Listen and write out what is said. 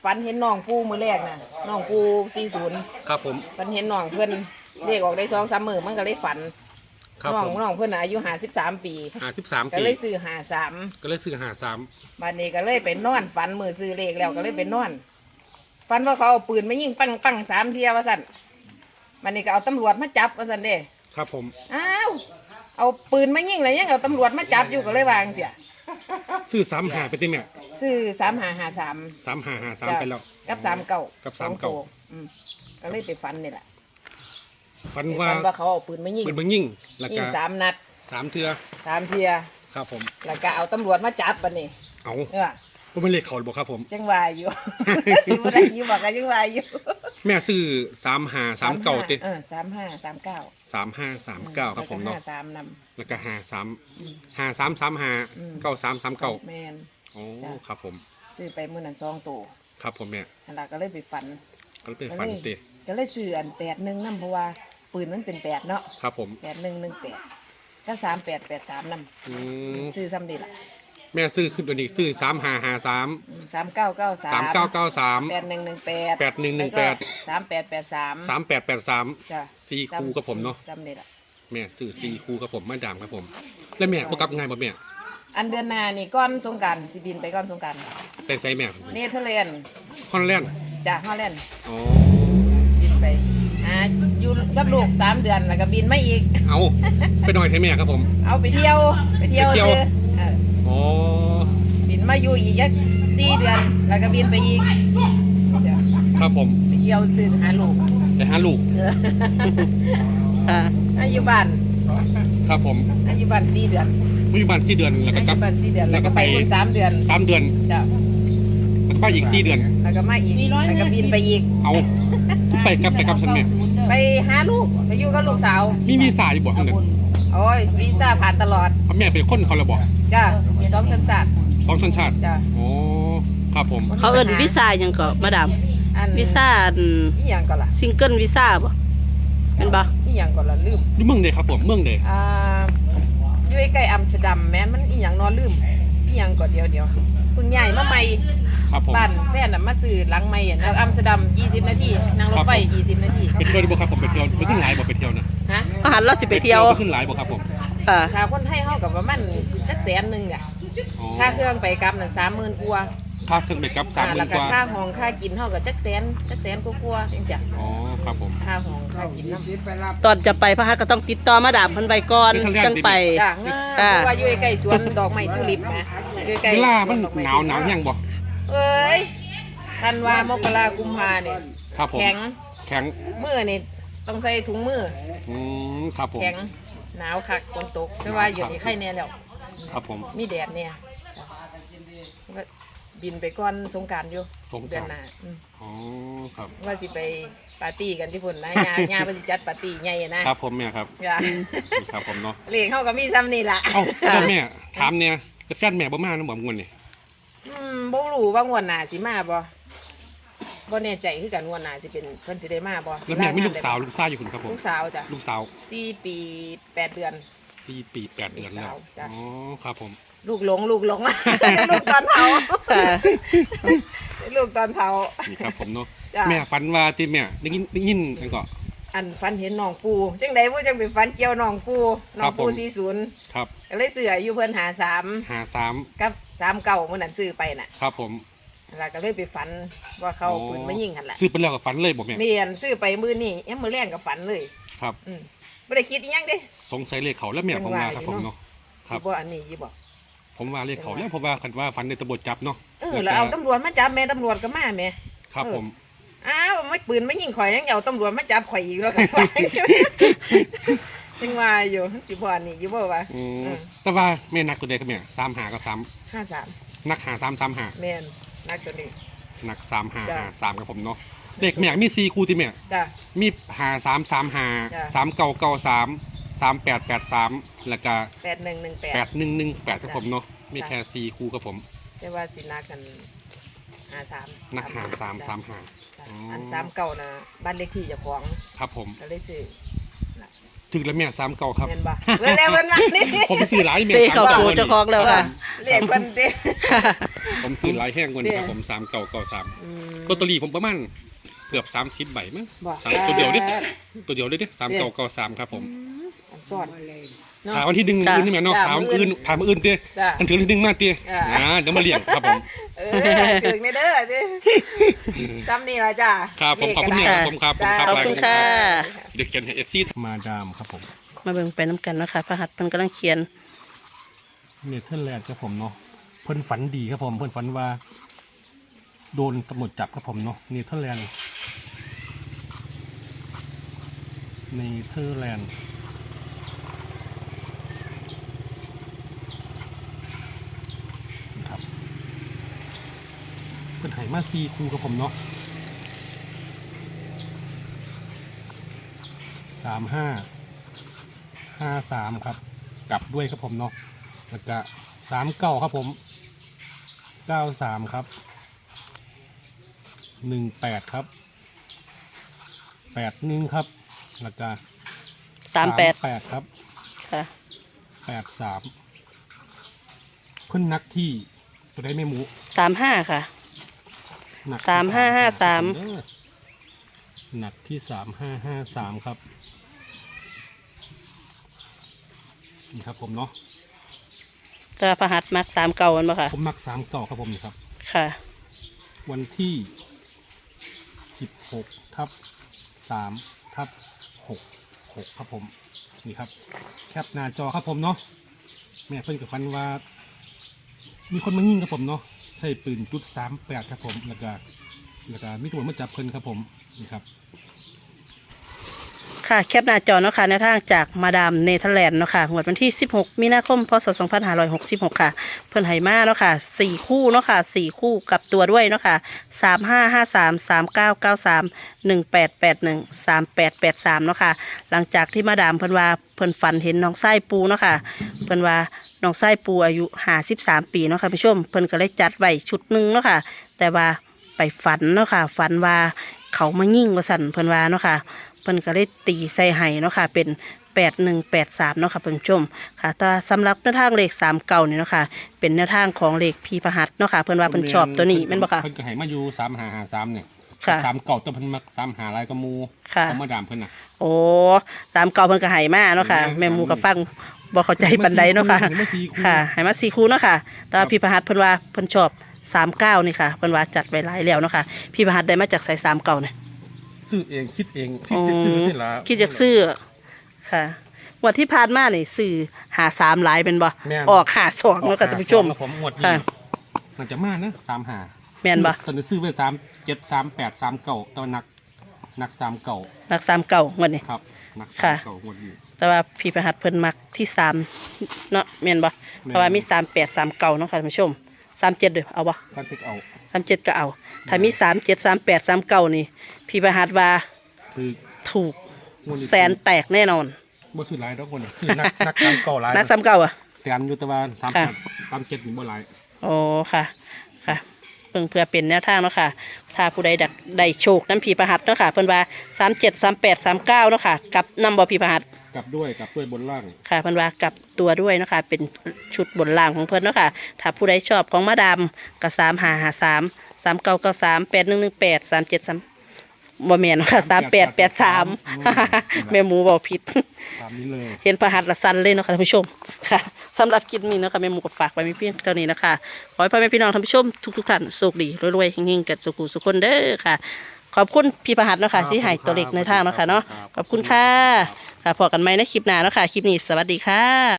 ฝันเห็นน้องปูมือแรกน่ะน้องปู40 ครับผมฝันเห็นน้องเพิ่นเรียกออกได้2-3 มื้อมันก็เลยฝันครับน้องผมน้องเพิ่นอายุ53 ปี 53 ก็ปีเลยซื้อ53 ก็เลยซื้อบัดนี้ก็เลยไปนอนฝันมื้อซื้อเลขแล้วก็เลยไปนอนฝันว่าเขาเอาปืนมายิงปัง3 เที่ยว่าซั่นบัดนี้ก็เอาตำรวจมาจับว่าซั่นเด้ครับผมอ้าวเอาปืนมายิงแล้วยังเอาตำรวจมาจับอยู่ก็เลยวาจั่งเสียซื้อ35ไปติแม่ซื้อ3553 3553ไปแล้วกับ39 กับสอง 39 ตัวก็เลยไปฝันนี่แหละฝันไปว่าฝันว่าเขาเอาปืนมายิงเป็นเบิ่งยิ่งแล้วยิก็ง3 นัด 3เทื่อ 3 เที่ยครับผมแล้วก็เอาตำรวจมาจับบัดนี้เอาเออบ่เป็นเลขเขาบ่ครับผมจังว่าอยู่ สิบ่ได้อยู่บอกกันจังว่าอยู่แม่ซื้อ3539ติ 3539 3539ครับผมเนาะ 53นำแล้วก็5335 9339 แม่นโอ้ครับผมซื้อไปมื้อนั้น2ตัวครับผมเนี่ยนั่นล่ะก็เลยไปฝันก็เป็นฝันติก็เลยซื้ออัน81นำเพราะว่าปืนมันเป็น8เนาะครับผม 8118ก็3883นำอืมซื้อซ้ำดีล่ะแม่ซื้อขึ้นตัวนี้ซื้อ3553 3993 3993 8118 8118 3883 3883 จ้ะ 4คู่กับผมเนาะจำได้ละแม่ซื้อ4คู่กับผมมาดามครับผม แล้วแม่บ่กลับง่ายบ่แม่อันเดือนหน้านี่ก้อนสงกรานต์สิบินไปก้อนสงกรานต์แต่ใส่แม่เนเธอร์แลนด์ฮอลแลนด์จากฮอลแลนด์อ๋อบินไปอยู่กับลูก3 เดือนแล้วก็บินมาอีกเอาไปหน่อยให้แม่ครับผมเอาไปเที่ยวซื้ออ๋อบินมาอยู่อีกจัก4 เดือนแล้วก็บินไปอีกเดี๋ยวครับผมไปเที่ยวซื้อหาลูกไปหาลูกอายุบ้านครับผมอายุบ้าน4 เดือนปัจจุบัน4 เดือนแล้วก็อากลัยุบบ้าน4 เดือนแล้วก็ไปเพิ่ง3 เดือน 3 เดือนจ้ะแล้วก็อีก4 เดือนแล้วก็มาอีกแล้วก็บินไปอีกเอาไปกับฉันแม่ไปหาลูกไปอยู่กับลูกสาวมีวีซ่าอยู่บ่ข้างหนึ่งโอ้ยวีซ่าผ่านตลอดเอาแม่เป็นคนเขาเลยบอกจ้ะ2 สัญชาติ 2 สัญชาติจ้ะโอ้ครับผมเขาเอิ้นวีซ่าหยังก็มาดามอันวีซ่าอีหยังก่อนล่ะซิงเกิลวีซ่าบ่เป็นบ่อีหยังก่อนล่ะลืมอยู่เมืองใดครับผมเมืองใดอยู่ใกล้อัมสเตอร์ดัมแม่นมันอีหยังนอนลืมอีหยังก่อนเดี๋ยวเพิ่งย้ายมาใหม่ครับผมบ้านแฟนน่ะมาซื้อหลังใหม่อ่ะแล้วอัมสเตอร์ดัม20 นาทีนั่งรถไฟ20 นาทีไปเที่ยวดีบ่ครับผมไปเที่ยวไปขึ้นหลายบ่ไปเที่ยวนะฮะอาหารเราสิไปเที่ยวไปขึ้นหลายบ่ครับผมถ้าคนไทยเฮาก็ประมาณจักแสนนึงอ่ะอ๋อค่าเครื่องไปกลับนั่น30,000กว่าค่าเครื่องไปกลับแล้ว 30,000 ก็กว่าค่าห้องค่ากินเฮาก็จักแสนกว่าๆจังซี่อ๋อครับผมค่าห้องค่ากินนำตอนจะไปพะฮะก็ต้องติดต่อมาดามเพิ่นไว้ก่อนไปทางแรกจังไปจ้ะเพราะว่าอยู่ใกล้สวนดอกไม้ทิวลิปนะอยู่ใกล้เวลามันหนาวแห้งบ่เอ้ยธันวามกรากุมภาเนี่ยครับผมแข็งแข็งมือนี่ต้องใส่ถุงมือครับผมแข็งหนาวคักฝนตกแต่ว่าอยู่นี่ไข่แน่แล้วครับผมมีแดดเนี่ยก็บินไปก่อนสงกรานต์อยู่สงกเดือราน นต์หน้าอ๋อครับว่าสิไปปาร์ตี้กันที่พุ่นนะงานเพิ่นสิจัดปาร์ตี้ใหญ่อะนะครับผมแม่ครับจ้ะครับผมเนาะเลขเฮาก็มีซ้ำนี่ล่ะเอ้าแล้วแม่ถามเนี่ยแฟนแม่บ่มานํบ่งวนนี่บ่รู้ว่างวดหน้าสิมาบ่แน่ใจคือกันงวดหน้าสิเป็นเพิ่นสิได้มาบ่แล้วแม่มีลูกสาวลูกชายอยู่คุณครับผมลูกสาวจ้ะลูกสาว 4 ปี 8 เดือน 4 ปี 8 เดือนแล้วลูกสาวจ้ะอ๋อครับผมลูกหลง ลูกตอนเฒ่าลูกตอนเฒ่านี่ครับผมเนาะจ้ะแม่ฝันว่าที่แม่ได้ยินนั่นก็อันฝันเห็นน้องปูจังได๋บ่จังไปฝันเกี่ยวน้องปูน้องปูครับผม 40 ครับก็เลยซื้ออายุเพิ่น53 53 กับ39มื้อนั้นซื้อไปน่ะครับผมแล้วก็เลยไปฝันว่าเขาเอาปืนมายิงหั่นล่ะซื้อไปแล้วก็ฝันเลยบ่แม่แม่นซื้อไปมื้อนี้ยามมื้อแรงก็ฝันเลยครับบ่ได้คิดอีหยังเด้สงสัยเลขเขาแล้วแม่ผมว่าครับผมเนาะคสิรับบ่อันนี้อยู่บ่ผมว่าเลขเขาแล้วเพราะว่าคันว่าฝันในตำรวจจับเนาะแล้วเอาตำรวจมาจับแม่ตำรวจก็มาแม่ครับผมอ้าวไม่ปืนไม่ยิงข่อยยังเอาตำรวจมาจับข่อยอีกแล้วกันยังว่าอยู่สิบ่อันนี้อยู่บ่วะแต่ว่าแม่นักตัวใดครับแม่35กับ3 53 นัก5335 แม่นนักตัวนี้นักจ้ะ 3553ครับผมเนาะเลขแม่มี4คู่ที่แม่จ้ะมีจ้ะ 5335 3993 3883แล้วก็ 8118 8118ครับผมเนาะมีแค่4คู่ครับผมแต่ว่าสินักกัน53 นัก5335 จ้ะอัน39น่ะบ้านเลขที่เจ้าของครับผมก็เลยซื้อถึงแล้วแม่39ครับแม่นบ่เพิ่นแล้วเพิ่นมานี่ผมไปซื้อหลายแม่เตะเข้า 39 โกเจ้าของแล้วค่ะเลขเพิ่นติผมผมซื้อหลายแห้งกว่านี้ครับผม3993 อืมลอตเตอรี่ผมประมาณเกือบ30 ใบมั้งบ่ตัวเดียวเด้ตัวเดียวเลยเด้3993ครับผมอันซ่อนเนาะถามวันที่1อื่นนี่แม่เนาะจ้ะถามอื่นถามอื่นเด้จ้ะอันถึงที่1มาเด้อ่าเดี๋ยวมาเลี้ยงครับผมถึงในเด้อสิจำนี่ละจ้าครับผมขอบคุณเนี่ยครับผมครับผมครับขอบคุณค่ะเด็กเขียนให้FCมาดามครับผมมาเบิ่งไปน้ำกันเนาะค่ะพระหัตถ์เพิ่นกำลังเขียนเนเธอร์แลนด์ครับผมเนาะเพิ่นฝันดีครับผมเพิ่นฝันว่า โดนตำรวจจับครับผมเนาะเนเธอร์แลนด์ครับเพิ่นให้มา4คู่ครับผมเนาะ3553ครับกลับด้วยครับผมเนาะแล้วก็39ครับผม93ครับ18ครับ81ครับแล้วก็ 38 ครับค่ะ 83เพิ่นนักที่ตัวได้ไม่หมู 35 ค่ะหนัก 3553 หนักที่3553ครับนี่ครับผมเนาะแต่ว่าพระหัตถ์มัก3เก่ามันบ่ค่ะผมมัก39ครับผมนี่ครับค่ะวันที่16/3/6ครับผมนี่ครับแคปหน้าจอครับผมเนาะแม่เพิ่นกับฟันว่า มีคนมายิงครับผมเนาะใส่ปืนจุด38ครับผมแล้วก็มีตำรวจมาจับเพิ่นครับผมนี่ครับค่ะแคปหน้าจอเนาะค่ะในทางจากมาดามเนเธอร์แลนด์เนาะค่ะงวดวันที่ 16 มีนาคม พศ 2566 ค่ะ เพิ่นไหมาเนาะค่ะ4คู่เนาะค่ะ4คู่กับตัวด้วยเนาะค่ะ3553 3993 1881 3883เนาะค่ะหลังจากที่มาดามเพิ่นว่าเพิ่นฝันเห็นน้องไส้ปูเนาะค่ะเพิ่นว่าน้องไส้ปูอายุ53 ปีเนาะค่ะผู้ชมเพิ่นก็เลยจัดไว้ชุดหนึงเนาะค่ะแต่ว่าไปฝันเนาะค่ะฝันว่าเขามายิงว่าสั่นเพิ่นว่าเนาะค่ะเพิ่นก็เลยตีใส่ไห้เนาะค่ะเป็น8183เนาะค่ะเพิ่นผู้ชมค่ะแต่สำหรับแนวทางเลข3เก่านี่เนาะค่ะเป็นแนวทางของเลขพีพหัสเนาะค่ะเพิ่นว่าเพิ่นชอบตัวนี้แม่นบ่ค่ะเพิ่นก็ให้มาอยู่3553เนี่ยค่ะ 3เก่าแต่เพิ่นมัก35หลายก็หมู่ค่ะของมาดามเพิ่นน่ะโอ้3เก่าเพิ่นก็ให้มาเนาะค่ะแม่หมูก็ฟังบ่เข้าใจปานใดเนาะค่ะให้มา4คู่ค่ะให้มา4คู่เนาะค่ะแต่ว่าพีพหัสเพิ่นว่าเพิ่นชอบ39นี่ค่ะเพิ่นว่าจัดไว้หลายแล้วเนาะค่ะพีพหัสได้มาจากใส่3เก่าเนี่ยซื้อเองคิดเองคิดจะซื้อสิล่ะคิดจากซื้อค่ะงวันที่ผ่านมานี่ซื้อ53หลายเป็นบ่แม่นออก52เนาะค่ะท่านผู้ชมครับผมงวดนี้ค่ะมันจะมานะ35 แม่นบ่ตอนนี้ซื้อไว้37 38 39ตอนนัก3เก่ารัก3เก่างวดนี้ครับนักค่ะ 3เก่างวดนี้แต่ว่าพี่ประหัตเพิ่นมักที่3เนาะแม่นบ่เพราะว่ามี38 39เนาะค่ะท่านผู้ชม37เด้อเอาบ่การติกเอา 37ก็เอา ถ้ามี37 38 39นี่พี่ประหัตว่าคือถูกงวดนี้แสนแตกแน่นอนบ่ซื้อหลายดอกคนซื้อนัก3เก่าหลายนัก39อ่ะแสนอยู่แต่ว่าค่ะ 37นี่บ่หลายโอ้ค่ะค่ะเพิ่งเพื่อเป็นแนวทางเนาะค่ะถ้าผู้ใดดักได้โชคน้ำผีประหัตเนาะค่ะเพิ่นว่า37 38 39เนาะค่ะกับนำบ่ผีประหัตกลับด้วยบนล่างค่ะเพิ่นว่ากับตัวด้วยเนาะค่ะเป็นชุดบนล่างของเพิ่นเนาะค่ะถ้าผู้ใดชอบของมาดามก็3553 3993 8118 373บ่แม่นเนาะค่ะ3883แม่หมูบอกผิดตามนี้เลยเห็นประหัตละสันเลยเนาะค่ะท่านผู้ชมค่ะสำหรับคลิปนี้เนาะค่ะแม่หมูก็ฝากไว้มีเพียงเท่านี้นะคะขอให้พ่อแม่พี่น้องท่านผู้ชมทุกท่านสุขดีรวยๆเฮงๆกันสุขุสุขคนเด้อค่ะ ขอบคุณพี่ประหัตเนาะค่ะที่ให้ตัวเล็กในทางเนาะค่ะเนาะขอบคุณค่ะค่ะพบกันใหม่ในคลิปหน้าเนาะค่ะคลิปนี้สวัสดีค่ะ